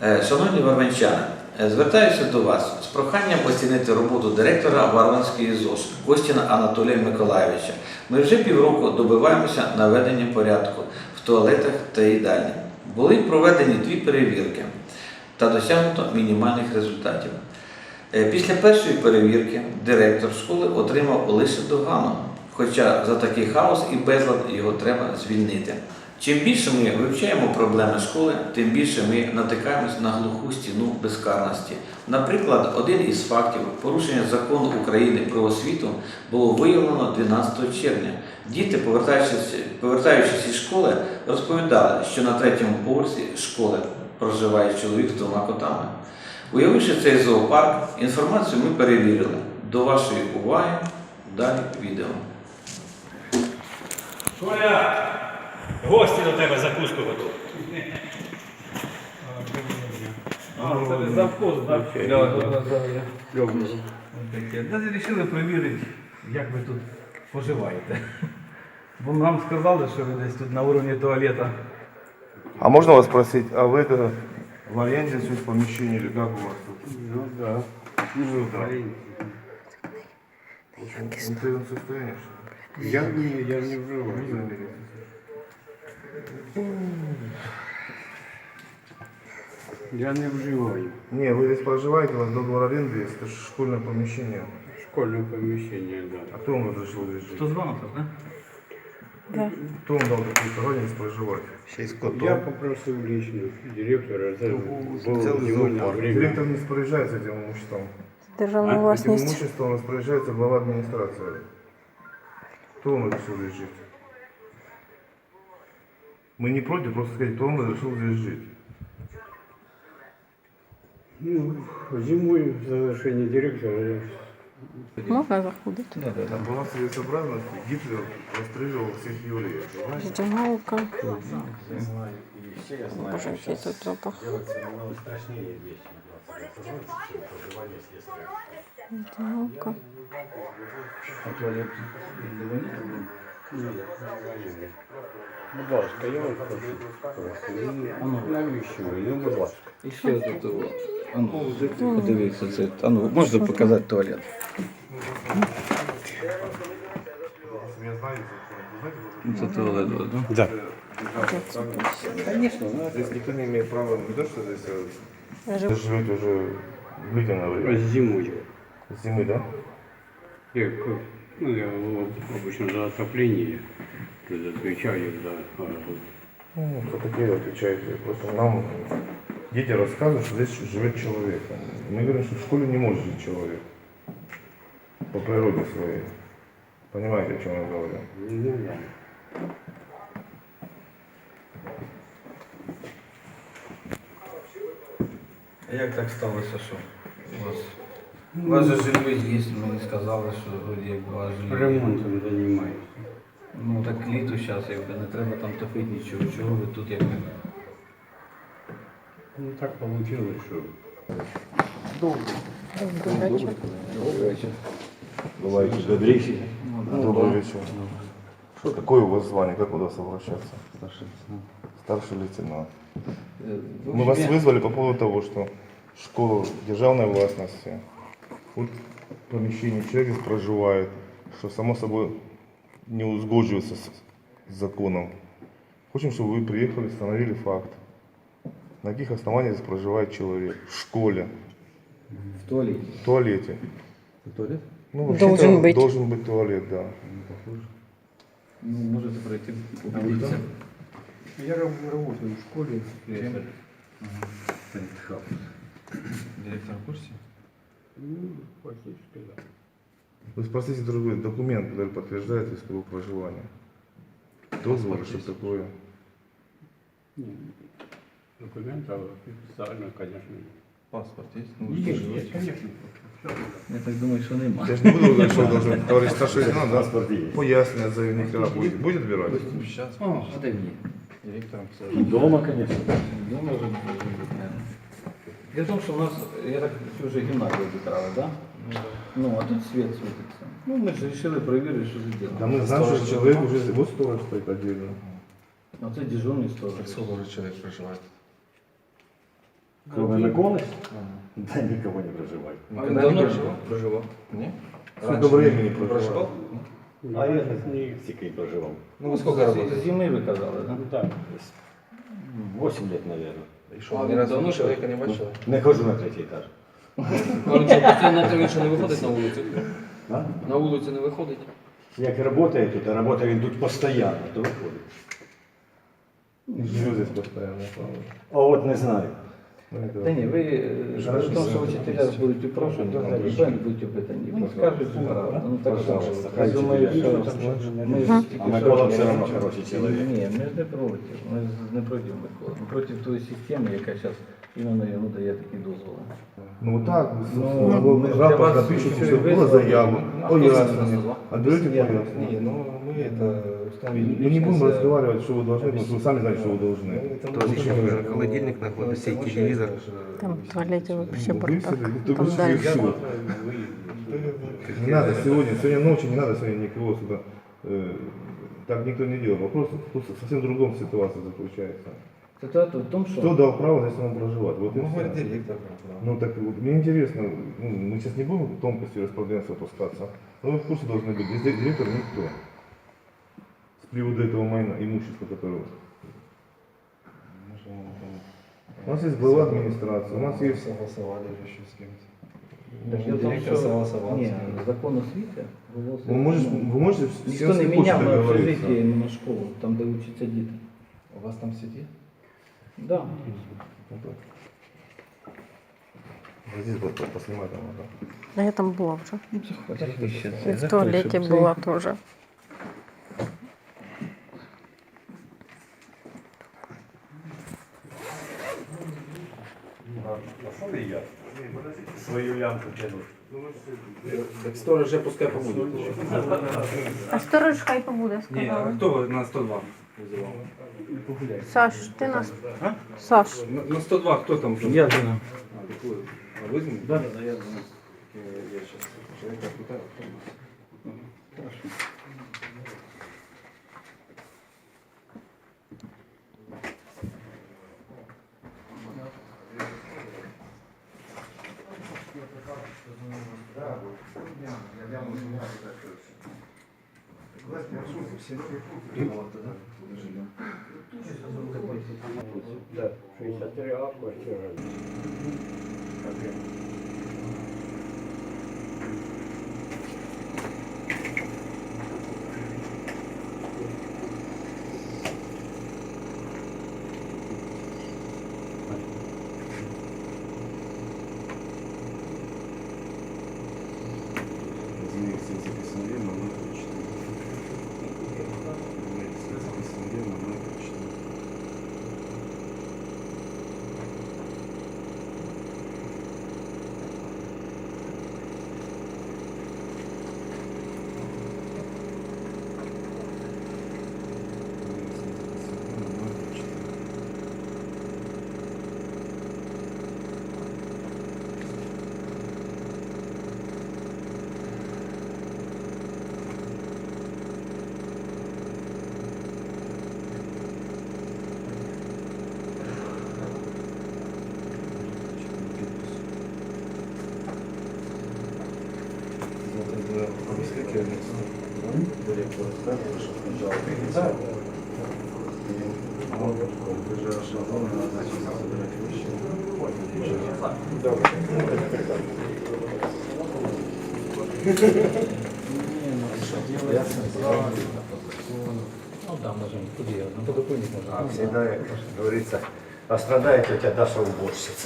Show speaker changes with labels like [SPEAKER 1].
[SPEAKER 1] Шановні варвинчани, звертаюся до вас з проханням оцінити роботу директора Варвинської ЗОШ Костіна Анатолія Миколайовича. Ми вже півроку добиваємося наведення порядку в туалетах та їдальні. Були проведені 2 перевірки та досягнуто мінімальних результатів. Після першої перевірки директор школи отримав лише догану, хоча за такий хаос і безлад його треба звільнити. Чим більше ми вивчаємо проблеми школи, тим більше ми натикаємось на глуху стіну безкарності. Наприклад, один із фактів порушення закону України про освіту було виявлено 12 червня. Діти, повертаючись із школи, розповідали, що на 3-му поверсі школи проживає чоловік з 2 котами. Уявивши цей зоопарк, інформацію ми перевірили. До вашої уваги далі відео.
[SPEAKER 2] Коля, гості до тебе закуску готують. Це не завхоз, так? Вирішили перевірити, як ви тут поживаєте. Бо нам сказали, що ви десь тут на уровні туалета.
[SPEAKER 3] А можно вас спросить, а вы это в аренде здесь помещение или как у вас тут?
[SPEAKER 4] Ну да.
[SPEAKER 3] Ну да. В общем, в состоянии, что ли?
[SPEAKER 4] Я не вживаю. Я не вживаю.
[SPEAKER 3] Не, вы здесь проживаете, у вас договор аренды есть, это же школьное помещение.
[SPEAKER 4] Школьное помещение, да.
[SPEAKER 3] А кто вам разрешил здесь жить?
[SPEAKER 2] Хто звонок, так?
[SPEAKER 3] Кто вам дал такую право здесь проживать?
[SPEAKER 4] Я попросил лично директора, это было
[SPEAKER 3] Целый
[SPEAKER 4] невольное
[SPEAKER 3] зоопарк.
[SPEAKER 4] время.
[SPEAKER 3] Директор не распоряжается этим имуществом.
[SPEAKER 5] Державна
[SPEAKER 3] Этим
[SPEAKER 5] власність.
[SPEAKER 3] имуществом распоряжается глава администрации. Кто вам разрешил здесь жить? Мы не против, просто сказать, кто вам разрешил здесь жить.
[SPEAKER 4] Ну, зимой в завершении директора
[SPEAKER 5] Можна заходити?
[SPEAKER 3] Там была целесообразность, Гитлер расстрелил всех евреев. понимаете?
[SPEAKER 5] Ждяналка. Боже, який тут запах. Ждяналка.
[SPEAKER 4] будь ласка, я вам хочу. Навіщо ви? Ну, будь ласка.
[SPEAKER 1] І ще тут, подивіться, це, можна показати туалет?
[SPEAKER 3] Если я знаю, вы знаете,
[SPEAKER 1] Це туалет, так?
[SPEAKER 4] Да.
[SPEAKER 3] конечно, здесь никто не имеет права, не то, что здесь вы живете уже длительное время.
[SPEAKER 4] Зимой.
[SPEAKER 3] С зимы, да?
[SPEAKER 4] Я обычно за отопление отвечаю, да.
[SPEAKER 3] Ну, кто такие отвечаете? Просто нам дети рассказывают, что здесь живет человек. Мы говорим, что в школе не может жить человек. По природе своей. Понимаете, о чем я говорю?
[SPEAKER 4] Ну, да.
[SPEAKER 1] А як так сталося, що у вас же жилье є, мені сказали, що вроді як у вас жилье.
[SPEAKER 4] Ремонтом занимаюсь.
[SPEAKER 1] Ну так літо зараз, якби не треба там топити нічого, чого ви тут якби.
[SPEAKER 4] Ну, так получилось, что...
[SPEAKER 5] Добрий вечір.
[SPEAKER 3] Бываете добрейший. Добрый вечер. Какое у вас звание? Как у вас обращаться? Старший лейтенант. Мы вас вызвали по поводу того, что школа державной властности, вот помещение человек здесь проживает, что само собой не узгодживается с законом. Хотим, чтобы вы приехали, установили факт. На каких основаниях здесь проживает человек в школе,
[SPEAKER 1] В туалеті.
[SPEAKER 3] в туалете.
[SPEAKER 1] Туалет?
[SPEAKER 3] Ну,
[SPEAKER 5] Должен
[SPEAKER 3] вообще-то
[SPEAKER 5] быть.
[SPEAKER 3] должен быть туалет, да.
[SPEAKER 1] Ну, можете пройти, убедитися.
[SPEAKER 4] Я работаю в школе.
[SPEAKER 1] Директор в курсі?
[SPEAKER 4] Ну, фактически, да.
[SPEAKER 3] Вы спросите другой документ, который подтверждает его проживание. Договор, что такое.
[SPEAKER 4] Документов официально, конечно.
[SPEAKER 1] Паспорт є?
[SPEAKER 4] Есть, конечно.
[SPEAKER 1] Я так думаю, що немає.
[SPEAKER 3] Я же не буду говорить, что должен товарищ старший лейтенант, да? Пояснення заявника будет. Будет отбирать?
[SPEAKER 1] А де він? Директором все.
[SPEAKER 2] Дома, конечно.
[SPEAKER 1] Дома вже не може бути, наверное. Дело в том, что у нас, я так вже гімназію вибирали, да? Ну, а тут свет світиться. Ну, ми ж вирішили перевірити, що це
[SPEAKER 3] Да
[SPEAKER 1] діло.
[SPEAKER 3] мы знаем, что человек уже вот сторож стоит отдельно.
[SPEAKER 1] А це дежурний сторож.
[SPEAKER 6] Сколько уже человек проживает?
[SPEAKER 1] Ну,
[SPEAKER 4] Вы Миколаевич? Да никого не проживает.
[SPEAKER 6] А він давно проживав?
[SPEAKER 1] Ні?
[SPEAKER 3] Сколько времени проживал?
[SPEAKER 4] А я не стільки проживав.
[SPEAKER 6] Ну, ви скільки работаєте?
[SPEAKER 2] Зими ви казали, так?
[SPEAKER 4] Ну так, 8 лет, наверное.
[SPEAKER 6] І що, ні разу давно чоловіка не бачили?
[SPEAKER 4] Не хожу на третій етаж.
[SPEAKER 6] А він що, постійно він що не виходить на вулицю?
[SPEAKER 4] А?
[SPEAKER 6] На вулицю не виходить?
[SPEAKER 4] Як працює тут, а працює він тут постійно, то виходить.
[SPEAKER 3] Живу здесь постоянно.
[SPEAKER 4] А от не знаю.
[SPEAKER 2] Та ні, ви
[SPEAKER 3] Хорошо,
[SPEAKER 2] тому, що
[SPEAKER 3] все.
[SPEAKER 2] вчителя будуть упрошені, ви будуть опитані, поскажуть, правда. Ну так що,
[SPEAKER 4] Пожалуйста,
[SPEAKER 2] я
[SPEAKER 4] хай
[SPEAKER 2] думаю,
[SPEAKER 4] вчителя
[SPEAKER 2] що
[SPEAKER 4] будуть.
[SPEAKER 2] ми ж
[SPEAKER 4] А
[SPEAKER 2] тільки
[SPEAKER 4] Микола
[SPEAKER 2] що-
[SPEAKER 4] все одно хороший чоловік.
[SPEAKER 2] Ні, ми ж не проти, ми ж не проти Миколи, ми проти тої системи, яка зараз іменно йому дає такі дозволи.
[SPEAKER 3] Ну вот так,
[SPEAKER 2] Ну,
[SPEAKER 3] в
[SPEAKER 2] для
[SPEAKER 3] рапорт
[SPEAKER 2] вас
[SPEAKER 3] напишите,
[SPEAKER 2] еще
[SPEAKER 3] что
[SPEAKER 2] и
[SPEAKER 3] была
[SPEAKER 2] вызвали.
[SPEAKER 3] заяву,
[SPEAKER 6] А кто
[SPEAKER 3] пояснение.
[SPEAKER 6] сейчас назвал?
[SPEAKER 3] Отберете
[SPEAKER 6] Не,
[SPEAKER 3] пояснение.
[SPEAKER 6] ну мы это установили.
[SPEAKER 3] Мы не будем разговаривать, что вы должны, потому что вы сами знаете, что вы должны.
[SPEAKER 6] Тут еще уже холодильник находится и телевизор.
[SPEAKER 5] Там в туалете вообще
[SPEAKER 3] Ну,
[SPEAKER 5] бардак.
[SPEAKER 3] вы все,
[SPEAKER 5] Там
[SPEAKER 3] вы
[SPEAKER 5] дальше.
[SPEAKER 3] все. Не надо сегодня ночью, не надо сегодня никого сюда. Так никто не делал. Вопрос тут совсем в другом ситуации заключается.
[SPEAKER 2] Ситуація в тому,
[SPEAKER 3] Кто
[SPEAKER 2] що
[SPEAKER 3] дал право здесь вам проживать? Вот и
[SPEAKER 6] Ну,
[SPEAKER 3] всё.
[SPEAKER 6] говорит директор.
[SPEAKER 3] Ну так вот, мне интересно, ну, мы сейчас не будем в тонкости распоряжения опускаться, но вы в курсе должны быть. Здесь директор никто. С приводу этого майна, имущества, которое... У нас есть глава администрации, у нас есть...
[SPEAKER 6] Согласовали же еще с кем-то.
[SPEAKER 2] Дело в тому,
[SPEAKER 6] Директор
[SPEAKER 2] що
[SPEAKER 6] согласовал.
[SPEAKER 2] ні, закон освіти
[SPEAKER 3] Вы можете с
[SPEAKER 2] ніхто
[SPEAKER 3] кем
[SPEAKER 2] не
[SPEAKER 3] хочете
[SPEAKER 2] міняв на
[SPEAKER 3] договориться.
[SPEAKER 2] общежитті іменно школу, там де вчаться діти.
[SPEAKER 6] У вас там сидит?
[SPEAKER 2] Да.
[SPEAKER 3] Здесь вот поснимать там надо.
[SPEAKER 5] Да я там была уже.
[SPEAKER 2] Подожди,
[SPEAKER 5] И в туалете была тоже.
[SPEAKER 4] Пошли я свою лямку тянуть.
[SPEAKER 6] Так сторож же пускай побудет.
[SPEAKER 5] А сторож хай побуде,
[SPEAKER 6] Не,
[SPEAKER 5] сказала.
[SPEAKER 6] а кто на 102 вызывал?
[SPEAKER 5] Саш, ти нас... Саш,
[SPEAKER 6] На 102 кто там?
[SPEAKER 2] Я знаю.
[SPEAKER 6] А, так вы. А вы знаете?
[SPEAKER 2] Да, да, я знаю.
[SPEAKER 6] Я сейчас человека пытаю.
[SPEAKER 4] Да, 63А, квартира.
[SPEAKER 2] Ну да, можем. Куди я? На подоконник можна.
[SPEAKER 4] А всегда, как говорится, а страдает у тебя Даша уборщица.